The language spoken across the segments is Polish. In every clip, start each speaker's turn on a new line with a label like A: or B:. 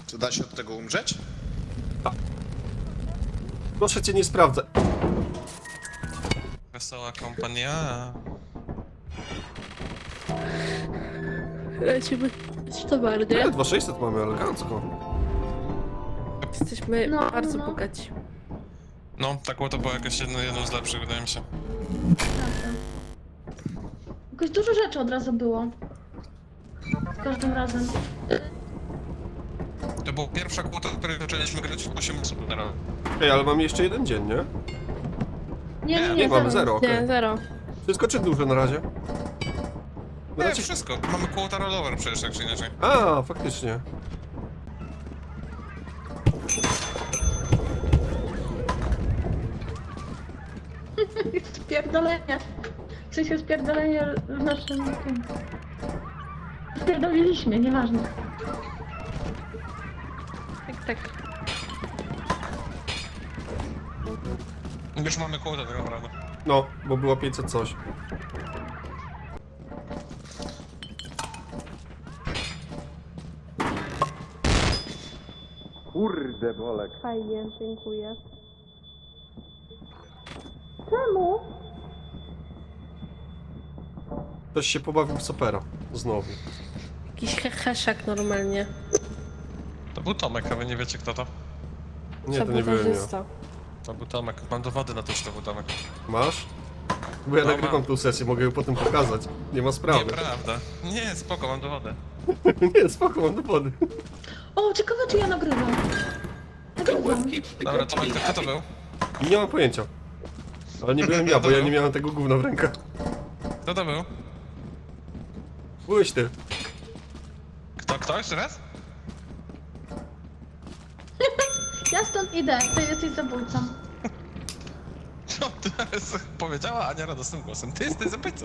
A: Czy da się od tego umrzeć?
B: Proszę cię, nie sprawdzę.
C: Wesoła kompania.
D: Lecimy towar, nie?
B: Nie, 2600 mamy, elegancko.
D: Jesteśmy
E: No,
D: bardzo
E: no.
D: bogaci.
C: No, tak to było jakoś jedno z lepszych, wydaje mi się.
E: Jakoś dużo rzeczy od razu było. Z każdym razem.
C: To była pierwsza kłota, w której zaczęliśmy grać w 8 osób na raz.
B: Ej, ale mamy jeszcze jeden dzień, nie?
E: Nie,
B: Mamy zero, okej.
D: Nie, zero.
B: Wszystko czy dużo na razie?
C: Nie,
B: Raczej...
C: wszystko. Mamy quota rollover przecież, tak czy inaczej.
B: A, faktycznie.
E: Spierdolenie. W sensie spierdolenie w naszym tym. Spierdoliliśmy, nieważne.
D: Tak, tak.
C: Już mamy quota tak naprawdę.
B: No, bo było 500 coś. Kurde, Bolek.
D: Fajnie, dziękuję.
E: Czemu?
B: Ktoś się pobawił w Sopera. Znowu.
D: Jakiś heheszak normalnie.
C: To był Tomek, a wy nie wiecie kto to.
B: Nie, to nie byłem ja.
D: Sabotażysta.
C: To był Tomek. Mam dowody na to, że to był Tomek.
B: Masz? Bo ja
C: No,
B: nagrywam
C: mam.
B: tą sesję, mogę ją potem pokazać. Nie ma sprawy.
C: Nieprawda. Nie, spoko, mam dowody.
B: Nie, spoko, mam dowody.
E: O, ciekawe czy ja nagrywam. Nagrywam.
C: Dobra, Tomek, to kto to był?
B: Nie mam pojęcia. Ale nie byłem ja, bo ja nie miałem tego gówna w rękach.
C: Kto to był?
B: Byłeś ty.
C: Kto? Jeszcze raz?
E: Ja stąd idę, ty jesteś zabójcą.
C: Co ty teraz powiedziała Ania radosnym głosem? Ty jesteś zabójcą.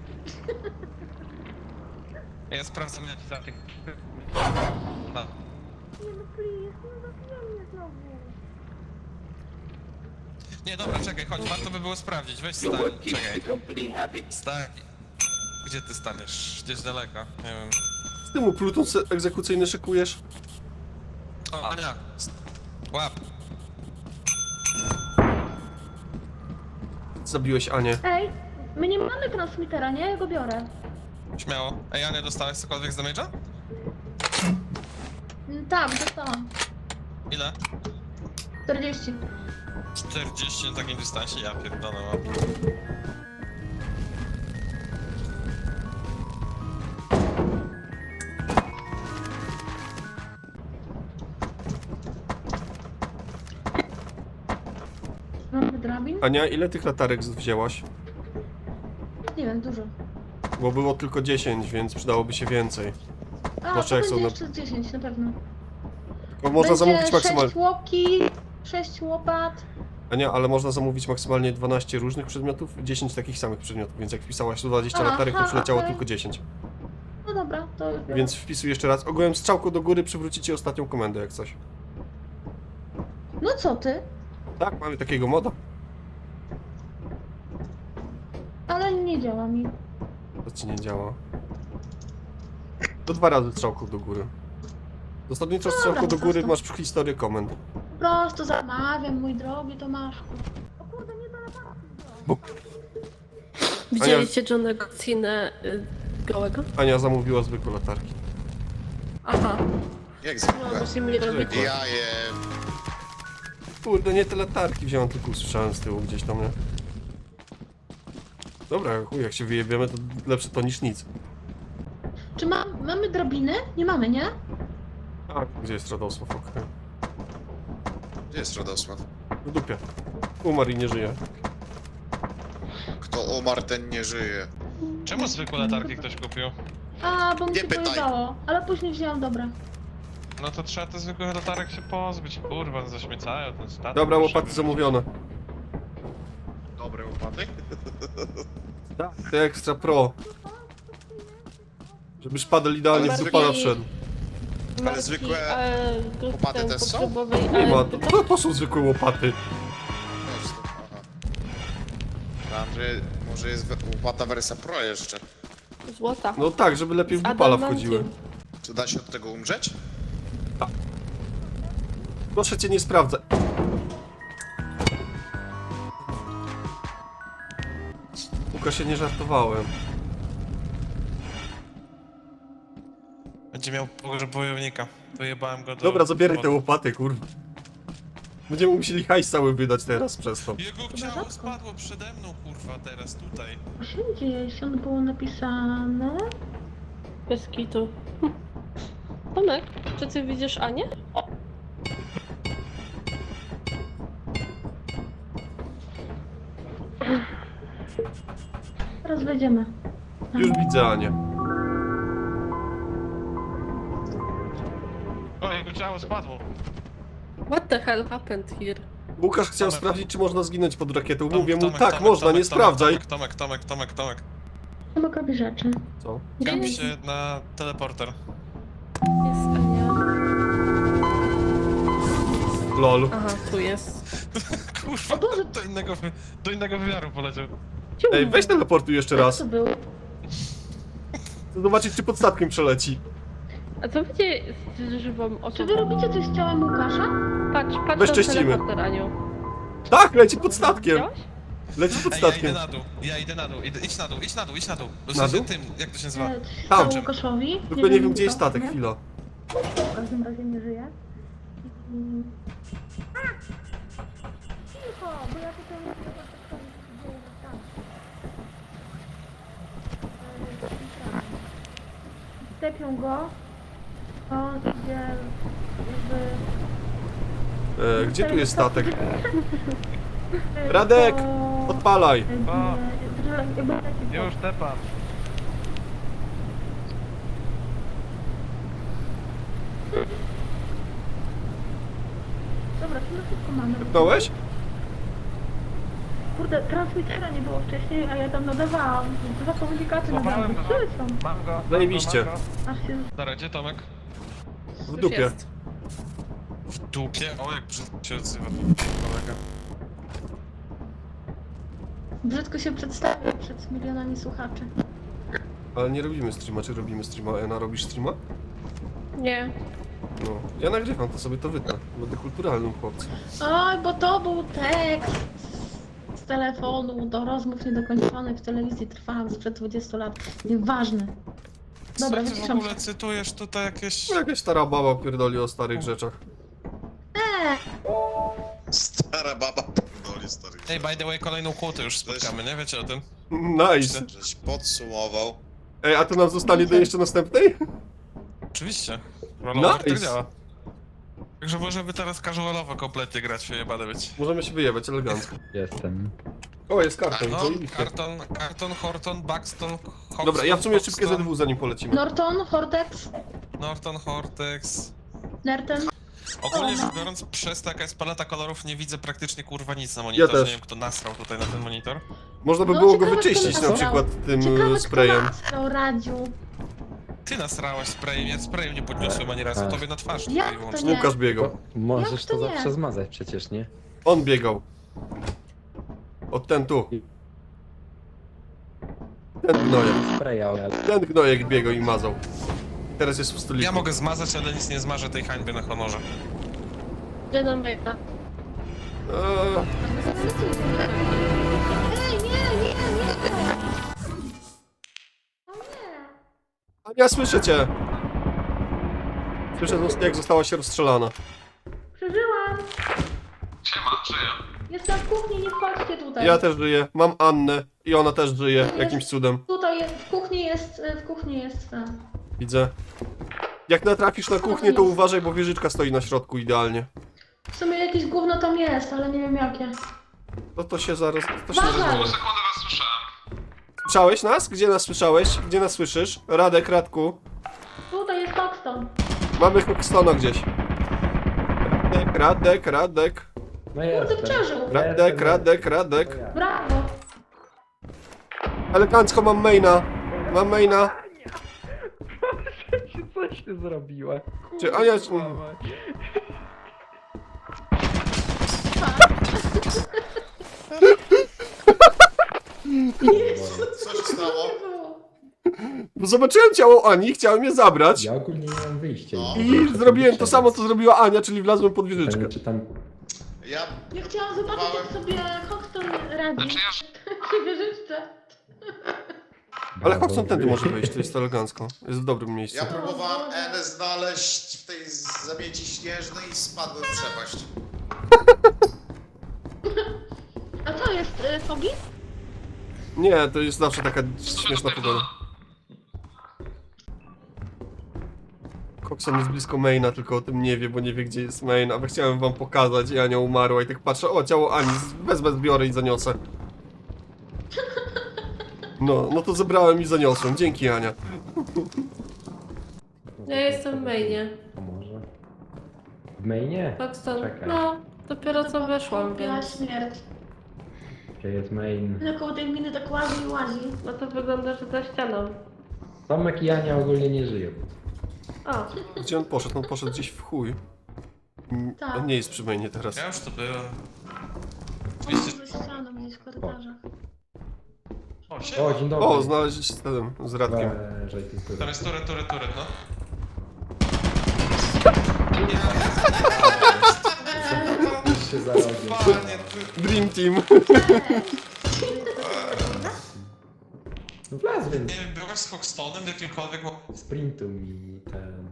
C: Ja sprawdzam jaki zabieg. No.
E: Nie no please, nie zabijaj mnie znowu.
C: Nie, dobra, czekaj, chodź, warto by było sprawdzić. Weź stań, czekaj. Stań. Gdzie ty staniesz? Gdzieś daleko, nie wiem.
B: Z tymu pluton egzekucyjny szykujesz?
C: O, Ania! Łap!
B: Zabiłeś Anię.
E: Ej, my nie mamy transmitera, nie? Ja go biorę.
C: Śmiało. Ej, Ania, dostałeś cokolwiek z damage'a?
E: Tak, dostałam.
C: Ile?
E: 40.
C: 40 na takim dystansie? Ja pierdolę, łap.
E: Mamy drabin?
B: Ania, ile tych latarek wzięłaś?
E: Nie wiem, dużo.
B: Bo było tylko 10, więc przydałoby się więcej.
E: A,
B: Zwłaszcza
E: to
B: jak są
E: będzie
B: na-
E: jeszcze z 10 na pewno.
B: Bo można
E: Będzie
B: zamówić
E: 6
B: maksymalnie...
E: łoki, 6 łopat.
B: Ania, ale można zamówić maksymalnie 12 różnych przedmiotów, 10 takich samych przedmiotów, więc jak wpisałaś 120
E: Aha,
B: latarek, to przyleciało
E: okej.
B: tylko 10.
E: No dobra, to już biorę.
B: Więc wpisuj jeszcze raz. Ogółem strzałką do góry przywrócicie ostatnią komendę, jak coś.
E: No co ty?
B: Tak, mamy takiego moda.
E: Ale nie działa mi.
B: To ci nie działa. To 2 razy strzałką do góry. Zasadniczo
E: Dobra,
B: strzałką do
E: po
B: góry
E: prostu.
B: masz historię komend.
E: Po prostu zamawiam, mój drogi Tomaszku. O kurde, nie da latarki.
D: Widzieliście Johnego Cenę gołego?
B: Ania zamówiła zwykłe latarki.
D: Aha.
A: Jak
D: No,
A: zwykle.
D: musimy je robić.
B: Zwykłe.
A: Ja je...
B: Kurde, nie te latarki wziąłem, tylko usłyszałem z tyłu gdzieś tam, nie? Dobra, chuj, jak się wyjebiemy, to lepsze to niż nic.
E: Czy mamy drabiny? Nie mamy, nie?
B: A, gdzie jest Radosław? Okej.
A: Gdzie jest Radosław?
B: W dupie. Umarł i nie żyje.
A: Kto umarł, ten nie żyje.
C: Czemu zwykłe latarki ktoś kupił?
E: A, bo mi
A: Nie
E: się
A: pytaj.
E: pojebało. Ale później wzięłam dobre.
C: No to trzeba te zwykłych latarek się pozbyć, kurwa, zaśmiecają ten statek.
B: Dobra, łopaty zamówione.
A: Dobre łopaty?
B: Tak. Te Extra Pro. Żeby szpadel idealnie w
A: Ale
B: dupala
A: zwykłe-
B: wszedł.
A: Ale zwykłe łopaty też są?
B: Nie ma, to są zwykłe łopaty.
A: No, to- aha. Tam, że może jest łopata wersja Pro jeszcze.
D: Złota.
B: No tak, żeby lepiej w
D: Z
B: dupala
D: adamantium.
B: wchodziły.
A: Czy da się od tego umrzeć?
B: Proszę cię, nie sprawdzaj. Łukasz, się nie żartowałem.
C: Będzie miał pogrzeb wojownika. Wyjebałem go do...
B: Dobra, zabieraj te łopaty, kurwa. Będziemy musieli hajs cały wydać teraz przez to.
C: Jego ciało spadło przede mną, kurwa, teraz tutaj.
E: Co się dzieje? Jeśli ono było napisane...
D: Bez kitu. Tomek, czy ty widzisz Anię?
E: Teraz wejdziemy.
B: Już widzę Anię.
C: O, jego ciało spadło.
D: What the hell happened here?
B: Łukasz chciał
C: Tomek.
B: sprawdzić, czy można zginąć pod rakietą.
C: Tomek,
B: Mówię mu,
C: Tomek,
B: tak,
C: Tomek,
B: można,
C: Tomek,
B: nie sprawdzaj.
C: Tomek.
E: Tomek robi rzeczy.
B: Co?
C: Gapi
D: Jest,
C: się na teleporter.
D: jest Ania.
B: Lol.
D: Aha, tu jest.
C: Kurwa,
E: O Boże.
C: do innego wymiaru poleciał.
B: Ej, weź teleportuj jeszcze
E: Jak
B: raz.
E: to było?
B: Chcę zobaczyć, czy pod statkiem przeleci.
D: A co będzie z żywą
E: Czy
D: osobą?
E: wy robicie coś z ciałem Łukasza?
D: Patrz na
B: Bezcześcimy.
D: teleporter, Aniu.
B: Tak, leci pod statkiem.
D: Widziałeś?
B: Leci pod
C: Ej, ja idę
B: statkiem.
C: na dół, idź na dół. W
B: Na
C: sensie
B: dół?
C: tym, jak to się nazywa?
E: Co się
B: Tam.
E: stało Łukaszowi?
B: Tylko nie wiem, gdzie jest
E: kto,
B: statek,
E: nie?
B: chwila.
E: W każdym razie nie żyje. Cicho, bo ja tutaj nie wiem, co się dzieje tam. Stepią go. On idzie jakby...
B: Gdzie tu jest statek?
E: Po-
B: Radek, odpalaj.
E: jakby leci po-
C: tepam.
E: Dobra, to na szybko mamy.
B: Wypnąłeś?
E: Kurde, transmitera nie było wcześniej, a ja tam nadawałam. Dwa komunikaty nadawałam. Które są?
C: Mam go.
B: Zajebiście.
E: Aż się...
C: Dobra, gdzie Tomek?
B: W
D: Już
B: dupie.
D: jest.
C: W dupie? O, jak brzydko się odzywa kolega.
E: Brzydko się przedstawia przed milionami słuchaczy.
B: Ale nie robimy streama, czy robimy streama? Ena, robisz streama?
D: Nie.
B: No. Ja nagrywam, to sobie to wytnę. Będę kulturalnym chłopcem.
E: Oj, bo to był tekst z telefonu do rozmów niedokończonych w telewizji trwałam sprzed 20 lat. Nieważne. Dobra,
C: Co ty w
E: wyciszam
C: ogóle
E: się.
C: cytujesz tutaj jakieś...
B: No, jakaś stara baba pierdoli o starych rzeczach.
A: Stara baba pierdoli stary.
C: Ej, by the way, kolejną kłotę już spotkamy, nie? Wiecie o tym?
B: Nice.
A: Żeś podsumował.
B: Ej, a to nam zostanie do jeszcze następnej?
C: Oczywiście. Rollover tak
B: Nice.
C: działa. Także możemy teraz casualowo kompletnie grać, jebane być.
B: Możemy się wyjebać elegancko.
F: Jestem.
B: O, jest karton,
C: No,
B: zajebiście.
C: Karton, Horton, Buxton, Hoxton,
B: Dobra, ja w sumie szybkie
C: Hoxton,
B: ZW zanim polecimy.
E: Norton, Hortex,
C: Norton, Hortex.
E: Nerten.
C: Ogólnie rzecz biorąc, przez to jaka jest paleta kolorów, nie widzę praktycznie kurwa nic na monitorze.
B: też.
C: Nie wiem, kto nasrał tutaj na ten monitor.
B: Można by
E: No,
B: było go
E: ciekawe,
B: wyczyścić
E: kto
B: na przykład tym
E: Ciekawe,
B: sprayem.
E: kto nasrał, Radziu.
C: Ty nasrałaś sprayem, ja sprayem nie podniosłem ani razu,
F: Tak.
C: tobie na twarz
E: Jak
C: tutaj
E: to
C: wyłącznie.
E: nie?
B: Łukasz biegał.
F: Możesz
E: Jak to
F: to
E: nie?
F: zawsze zmazać przecież, nie?
B: On biegał. Od ten tu. Ten gnojek.
F: Spraya, ale...
B: Ten gnojek biegał i mazał. Teraz jest w stoliku.
C: Ja mogę zmazać, ale nic nie zmarzę tej hańby na honorze.
D: Gdzie nam wejdę?
B: Eee,
E: Ej, nie! O nie!
B: Ania, słyszę cię! Słyszę, jak została się rozstrzelana.
E: Przeżyłam!
C: Siema, żyję.
E: Jestem w kuchni, nie wchodźcie tutaj.
B: Ja też żyję. Mam Annę i ona też żyje. Jakimś cudem.
E: Tutaj jest, w kuchni jest ten.
B: Widzę. Jak natrafisz na kuchnię, to uważaj, bo wieżyczka stoi na środku idealnie.
E: W sumie jakieś gówno tam jest, ale nie wiem jakie.
B: To się zaraz... To się
E: Uważaj!
B: zaraz...
C: Sekundę was słyszałem.
B: Słyszałeś nas? Gdzie nas słyszałeś? Gdzie nas słyszysz? Radek, Radku.
E: Tutaj jest Paxton.
B: Mamy Hoxtona gdzieś. Radek.
F: No
E: Kurde,
F: jestem.
E: przeżył.
B: Radek.
E: Brawo.
B: Elegancko mam maina.
F: Coś ty zrobiła?
B: Czy Ania...
A: Co się stało?
B: Bo zobaczyłem ciało Ani, chciałem je zabrać.
F: Ja ogólnie nie mam wyjścia.
A: No.
B: I zrobiłem to samo, co zrobiła Ania, czyli wlazłem pod wieżyczkę.
F: Pytanie, czy tam...
A: Ja
E: Ja chciałam zobaczyć, jak sobie Hoxton radzi.
C: Znaczy ja...
E: Przy wieżyczce.
B: Ale Hoxton tędy może wyjść, to jest elegancko. Jest w dobrym miejscu.
A: Ja próbowałem N znaleźć w tej zamieci śnieżnej i spadłem w przepaść.
E: A co jest, Fogi?
B: Nie, to jest zawsze taka śmieszna pogoda. Hoxton jest blisko maina, tylko o tym nie wie, bo nie wie, gdzie jest main. A chciałem wam pokazać i Ania umarła i tak patrzę, o, ciało Ani, wezmę, zbiorę i zaniosę. No to zebrałem i zaniosłem. Dzięki, Ania.
D: Ja jestem w mainie.
F: A może? W mainie?
D: Paxton,
F: Czekaj.
D: no, dopiero co weszłam,
E: Biała
D: więc...
E: śmierć.
F: Gdzie jest main?
E: No koło tej miny tak łazi i łazi.
D: No to wygląda, że za ścianą.
F: Tomek i Ania ogólnie nie żyją.
D: O,
B: Gdzie on poszedł? On poszedł gdzieś w chuj.
E: Tak.
B: On nie jest przy mainie teraz.
C: Ja już tu byłem.
E: On za ścianą gdzieś w korytarzach.
C: O,
F: O,
C: siema.
F: dzień dobry.
B: O, znaleźliście z Radkiem.
F: Że ty tu.
C: Tam jest turet, no.
F: się zarobię.
C: Panie, ty...
B: Dream Team.
F: No wlazłem.
C: Nie wiem, byłaś z Hoxtonem, jakimkolwiek...
F: Sprintu mi ten...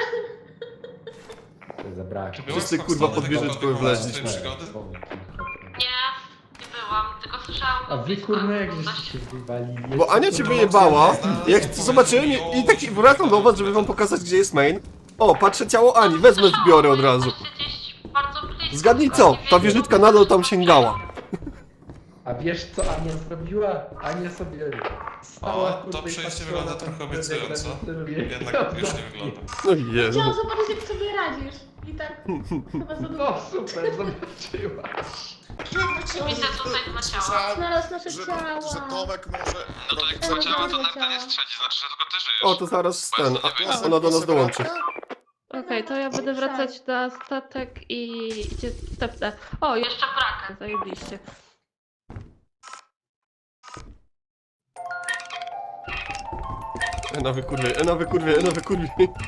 F: To zabrakło.
C: Czy byłaś
B: Wszyscy,
C: z
B: kurwa,
C: Hoxtonem,
B: pod wieżyczką
C: jakimkolwiek
B: wleźliśmy.
C: momencie swojej przygody?
G: Nie byłam, tylko słyszałam go
F: A wy
G: blisko,
F: kurna jak
G: dość-
F: żeście wywalili?
B: Bo Ania cię wyjebała, jak zobaczyłem i tak wracam do was, żeby wam pokazać, gdzie jest main. O, patrzę ciało Ani, wezmę, zbiorę od razu.
G: Jesteście gdzieś bardzo blisko.
B: Zgadnij co, ta wieżyczka nadal tam sięgała.
F: A wiesz co Ania zrobiła? Ania sobie stała,
C: O, to
F: kurwa, i
C: przejście
F: patrzyła
C: wygląda
F: na ten
C: trochę
F: prezent,
C: obiecująco.
F: jak na tym
C: Jednak już nie wygląda.
B: No Jezu.
E: Chciałam zobaczyć, jak sobie radzisz. I tak chyba za dużo.
F: No super, zobaczyła.
G: Widzę tutaj dwa ciała.
A: Słyszałem,
E: Znalazł nasze
A: że
E: ciała.
A: Tomek może...
C: No to jak
E: Dobra,
C: dwa ciała, to
E: dobra,
C: Narta nie
E: ciała.
C: strzeli, znaczy, że tylko ty żyjesz.
B: O, to zaraz ten,
C: Głosem
B: ona do nas dołączy.
D: okej, to ja będę wracać na statek i... Gdzie stepnę? O, jeszcze brakę, zajebiście.
B: Ena wykurwie, Ena wykurwie, Ena wykurwie.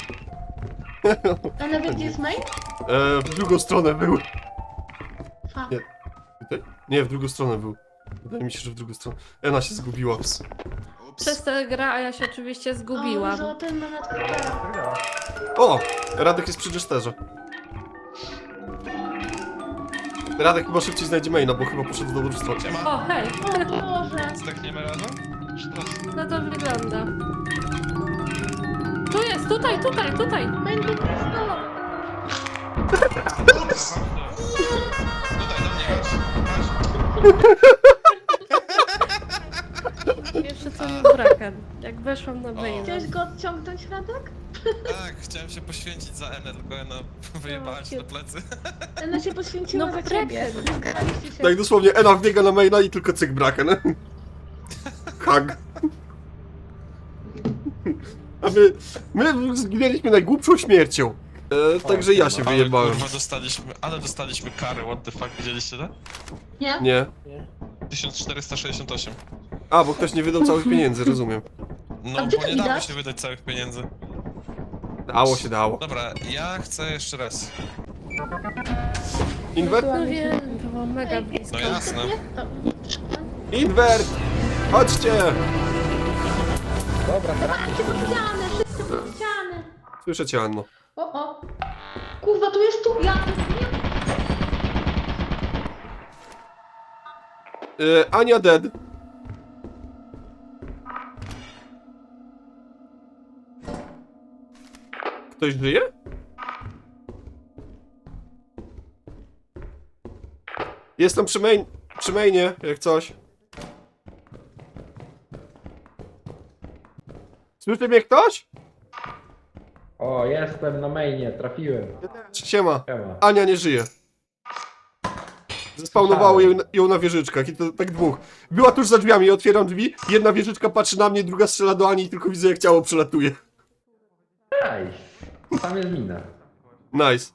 E: A nawet gdzie jest main?
B: W drugą stronę był.
E: Fuck.
B: Nie. Tutaj? Nie, w drugą stronę był. Wydaje mi się, że w drugą stronę. Ena się zgubiła.
A: Ups.
D: Przez tę grę, a ja się oczywiście
E: O,
D: zgubiłam.
E: że ten ma nadkrytera.
B: O! Radek jest przy Jesterze. Radek chyba szybciej znajdzie maina, bo chyba poszedł do dobrostwa.
C: Siema.
D: O, hej!
E: O Boże.
C: Zdechniemy razem? Czy to...
D: No to wygląda. Tu jest, tutaj!
E: Main do kryształa.
C: Ups! Tutaj do mnie chodź.
D: Pierwsze co mi braken. Jak weszłam na maina.
E: Chciałeś go odciągnąć, Radek?
C: Tak, chciałem się poświęcić za Enę, tylko Ena wyjebała się na plecy.
E: Ona się poświęciła
D: No,
E: za ciebie.
D: braken.
E: Zgraliście się.
B: Tak dosłownie, Ena wbiega na maina i tylko cyk braken. Hug. A my zginęliśmy najgłupszą śmiercią. Także ja się wyjebałem.
C: Kurwa, dostaliśmy karę, what the fuck, widzieliście to?
E: Nie?
B: Nie.
C: 1468.
B: A, bo ktoś nie wydał całych pieniędzy, rozumiem.
E: A
C: No,
E: gdzie
C: bo
E: to
C: nie dało
E: widać?
C: się wydać całych pieniędzy.
B: Dało się, dało.
C: Dobra, ja chcę jeszcze raz.
B: Invert?
D: No wiem, było mega blisko.
C: No jasne.
E: To...
B: Invert! Chodźcie!
F: Dobra, teraz
E: Dawajcie pod ścianę, wszyscy pod ścianę.
B: Słyszę cię, Anno.
E: O. Kurwa, tu jest tu. Ja...
B: Ania dead. Ktoś żyje? Jestem przy mainie, jak coś. Słyszy mnie ktoś?
F: O, jestem na mainie, trafiłem.
B: Siema.
F: Siema.
B: Ania nie żyje. Zespawnowało ją na wieżyczkach i to tak dwóch. Była tuż za drzwiami, otwieram drzwi, jedna wieżyczka patrzy na mnie, druga strzela do Ani i tylko widzę jak ciało przelatuje.
F: Nice. Tam jest mina.
B: Nice.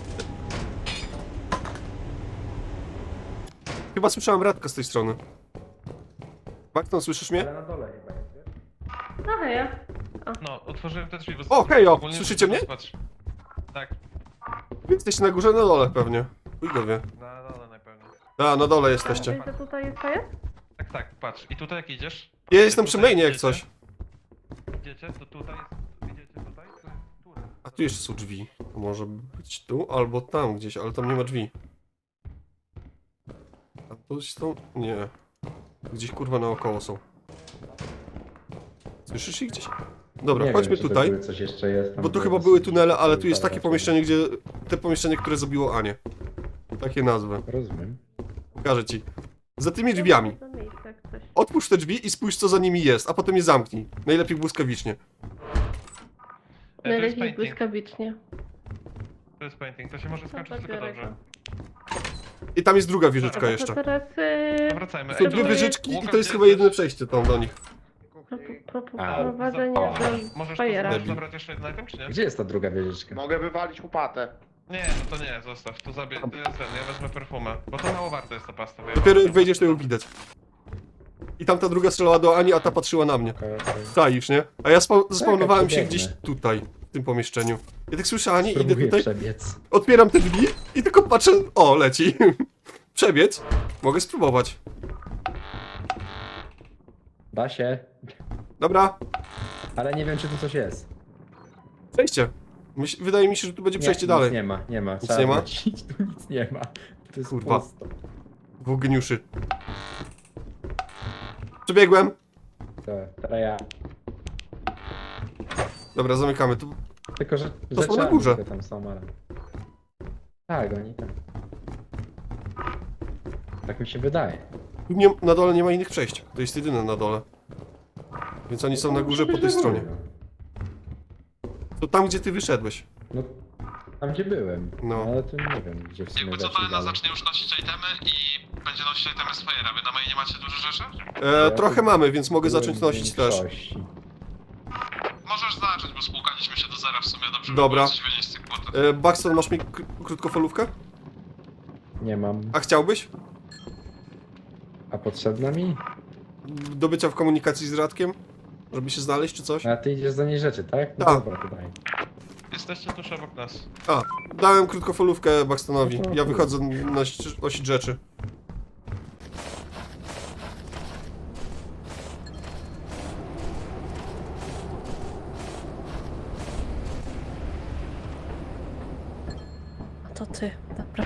B: Chyba słyszałem Radka z tej strony. Bakton, słyszysz mnie?
F: Ale na dole chyba jest, wiesz?
D: No ja.
C: No, otworzyłem te drzwi, bo...
B: O, hejo,
C: ogólnie
B: słyszycie mnie?
C: patrz. Tak,
B: Wy jesteście na górze, na dole pewnie. Chuj go wie.
C: na dole najpewniej.
B: A, na dole jesteście.
D: Wiesz, że tutaj jest fajer?
C: Tak, tak, patrz. I tutaj jak idziesz?
B: Ja jestem przy
C: Tutaj
B: mainie jak
C: idziecie?
B: coś.
C: Idziecie, to tutaj jest... Idziecie tutaj? To jest tu.
B: A tu jeszcze są drzwi. Może być tu albo tam gdzieś, ale tam nie ma drzwi. A tu są... Nie. Gdzieś kurwa naokoło są. Słyszysz ich gdzieś? Dobra,
F: Nie
B: chodźmy
F: wiem, czy to
B: tutaj.
F: były coś jeszcze jest tam,
B: Bo tu
F: było
B: chyba
F: dosyć-
B: były tunele, ale tu jest
F: parę
B: takie
F: raczej.
B: pomieszczenie, gdzie... Te pomieszczenie, które zabiło Anię. Takie nazwy.
F: Rozumiem.
B: Pokażę ci. Za tymi drzwiami.
D: To miejsce jak coś.
B: Otwórz te drzwi i spójrz co za nimi jest, a potem je zamknij. Najlepiej błyskawicznie.
C: To jest
D: Najlepiej
C: painting.
D: błyskawicznie.
C: To jest painting, to się może skończyć tylko
D: biorę
C: dobrze.
B: I tam jest druga
D: Dobra,
B: wieżyczka
D: to
B: jeszcze.
D: teraz
C: To wracajmy.
B: Są
C: Ej,
B: dwie
C: tutaj-
B: wieżyczki i
C: Łukasz,
B: to jest
C: gdzie
B: chyba jedyne
C: jesteś?
B: przejście tam do nich.
D: prowadzenie
F: A,
D: do
C: Możesz
D: fajera.
C: tu
B: Debil.
C: zabrać jeszcze jeden item, czy nie?
F: Gdzie jest ta druga wieżyczka?
A: Mogę wywalić łopatę.
C: Nie, no to nie, zostaw. To to jest ten, ja wezmę perfumę. Bo to mało warte jest ta pasta. wiesz?
B: Dopiero jak wejdziesz, to ją widać. I tamta druga strzelała do Ani, a ta patrzyła na mnie.
F: Okej, okej.
B: Czaisz, nie? A ja zaspawnowałem się
F: przebiegnę.
B: gdzieś tutaj, w tym pomieszczeniu. Ja tak słyszę Ani, idę
F: Spróbuję
B: tutaj,
F: przebiec.
B: otwieram te drzwi i tylko patrzę, o, leci. Przebiec? Mogę spróbować.
F: Da się,
B: Dobra,
F: ale nie wiem, czy tu coś jest.
B: przejście. Wydaje mi się, że tu będzie przejście
F: Nic
B: dalej.
F: nie ma.
B: Nic
F: Trzeba
B: nie ma?
F: wrócić, tu nic nie ma. To jest
B: Kurwa.
F: pusto.
B: Dwóch geniuszy. Przebiegłem.
F: To, teraz ja.
B: Dobra, zamykamy. Tu
F: Tylko, że
B: To są na
F: rzeczami
B: górze.
F: tylko tam są, ale... Tak, oni tam. Tak mi się wydaje.
B: Tu nie, na dole nie ma innych przejść. To jest jedyne na dole. Więc oni są na górze po tej stronie. To tam, gdzie ty wyszedłeś.
F: No, tam gdzie byłem.
B: No.
F: No. Ale tu nie wiem, gdzie w sumie
C: Jakby co,
F: weszli
C: to
F: dalej.
C: zacznie już nosić itemy i będzie nosić itemy z Fajera. Wy na mainie macie dużo rzeczy?
B: Trochę mamy, więc mogę
F: Byłem
B: zacząć
F: w
B: nosić też.
F: większości.
C: Możesz zacząć, bo spłukaliśmy się do zera w sumie, dobrze
B: Dobra.
C: by było coś wynieść z tych płotów.
B: Baxton, masz mi krótkofalówkę?
F: Nie mam.
B: A chciałbyś?
F: A potrzebna mi?
B: Do bycia w komunikacji z Radkiem? Żeby się znaleźć czy coś?
F: A ty idziesz za niej rzeczy, tak? No
B: Tak.
F: dobra, to daj.
C: Jesteście tuż obok nas.
B: A, dałem krótkofalówkę Baxtonowi. Ja wychodzę nosić rzeczy.
D: To ty, dobra.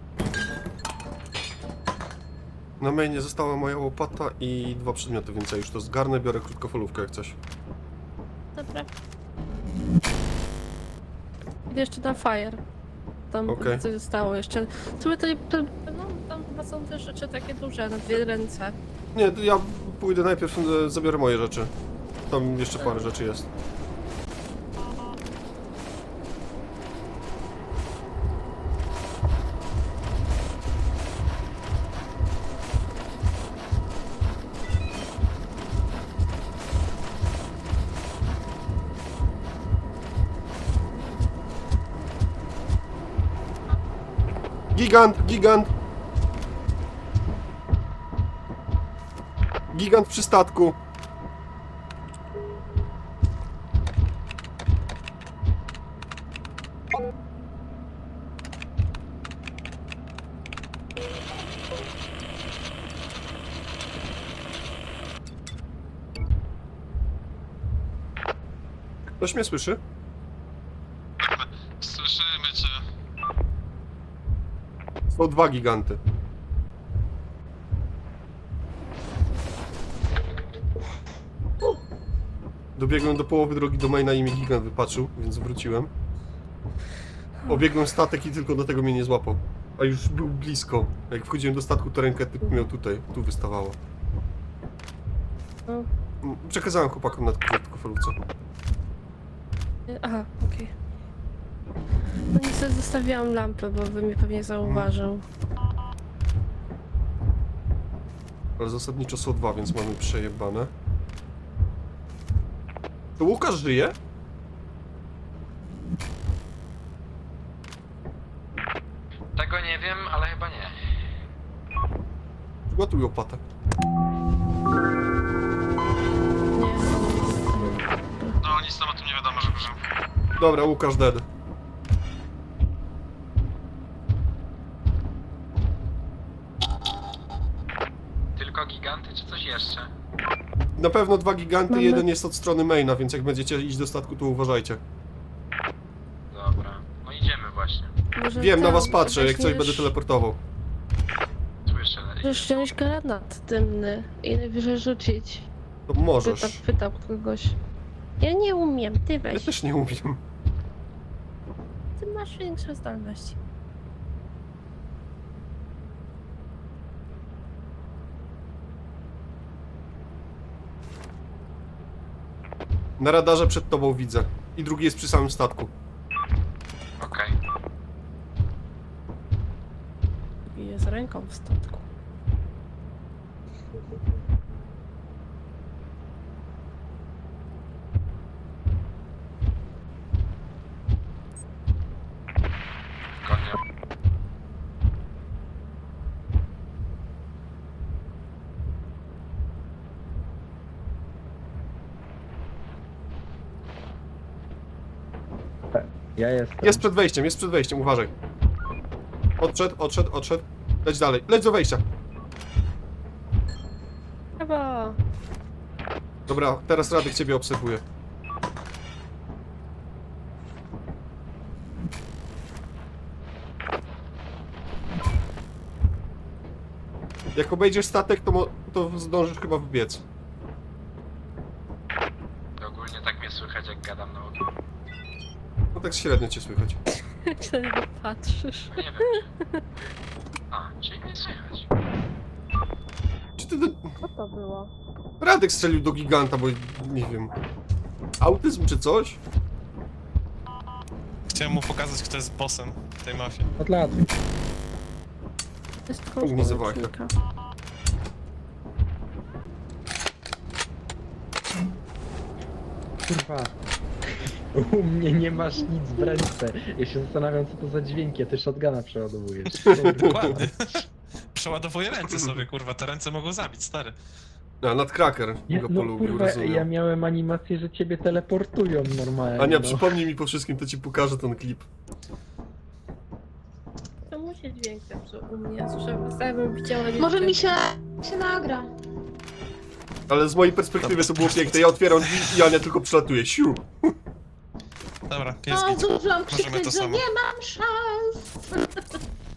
B: Na mainie została moja łopata i 2 przedmioty, więc ja już to zgarnę, biorę krótkofalówkę jak coś.
D: Dobra. Idę jeszcze na fire. Tam
B: Okej.
D: coś zostało jeszcze. Słuchaj, no, tam chyba są też rzeczy takie duże, na 2 ręce.
B: Nie, to ja pójdę najpierw, zabiorę moje rzeczy. Tam jeszcze parę rzeczy jest. Gigant, gigant! Gigant przy statku. Ktoś mnie słyszy?
C: Słyszymy cię.
B: Są 2 giganty. Dobiegłem do połowy drogi do maina i mnie gigant wypatrzył, więc wróciłem. Obiegłem statek i tylko do tego mnie nie złapał. A już był blisko. Jak wchodziłem do statku, to rękę typ miał tutaj, tu wystawało.
D: No.
B: Przekazałem chłopakom na krótkofalówce.
D: Aha, okej. No niestety zostawiłam lampę, bo by mnie pewnie zauważył.
B: Ale zasadniczo są 2, więc mamy przejebane. To Łukasz żyje?
C: Tego nie wiem, ale chyba nie.
B: Przygotuj łopatę.
D: Nie,
C: nic tam o tym nie wiadomo, że żył.
B: Dobra, Łukasz dead.
H: Tylko giganty, czy coś jeszcze?
B: Na pewno 2 giganty,
E: Mamy-
B: jeden jest od strony maina, więc jak będziecie iść do statku, to uważajcie.
H: Dobra, no idziemy właśnie.
I: Może
B: Wiem, na
I: tam
B: was patrzę, jak coś
I: weźmiesz-
B: będę teleportował.
H: Słyszę.
I: Możesz wziąć granat dymny i najwyżej rzucić.
B: To możesz.
I: Pytam kogoś. Ja nie umiem, ty
B: Ja
I: weź.
B: też nie umiem.
I: Ty masz większe zdolności.
B: Na radarze przed tobą widzę. I drugi jest przy samym statku.
H: Okej.
I: Bije z ręką w statku.
H: Konia.
F: Ja jestem.
B: Jest przed wejściem, uważaj. Odszedł. Leć dalej, leć do wejścia.
I: Brawo!
B: Dobra, teraz Radek ciebie obserwuje. Jak obejdziesz statek, to zdążysz chyba wbiec.
H: Ogólnie tak mnie słychać, jak gadam na ogień.
B: No tak średnio cię słychać.
I: Jak się na niego patrzysz.
H: No nie wiem. A, czyli mnie słychać.
B: Czy ty...
I: Co to było?
B: Radek strzelił do giganta, bo nie wiem... Autyzm czy coś?
C: Chciałem mu pokazać, kto jest bossem tej mafii.
F: Od lat.
I: To jest
B: Nie zawałaj.
I: kołcznika.
F: Kurwa. U mnie nie masz nic w ręce. Ja się zastanawiam, co to za dźwięki, a ty shotguna przeładowujesz.
C: Dokładnie. Przeładowuję ręce sobie, kurwa, te ręce mogą zabić, stary.
B: A, Nutcracker
F: Nie,
B: go
F: no
B: polubił,
F: kurwa,
B: rozumiem.
F: ja miałem animację, że ciebie teleportują normalnie.
B: Ania,
F: no.
B: przypomnij mi po wszystkim, to ci pokażę ten klip.
I: To musi dźwięk zepsuł u mnie. Słyszałem, bym widziała
E: Może mi się nagra.
B: Ale z mojej perspektywy to było piękne. Ja otwieram drzwi i Ania tylko przelatuje. Siu!
C: Dobra, jest
E: No,
C: git.
E: zdążyłam
C: Możemy to
E: krzyknąć, że
C: samo.
E: nie mam szans.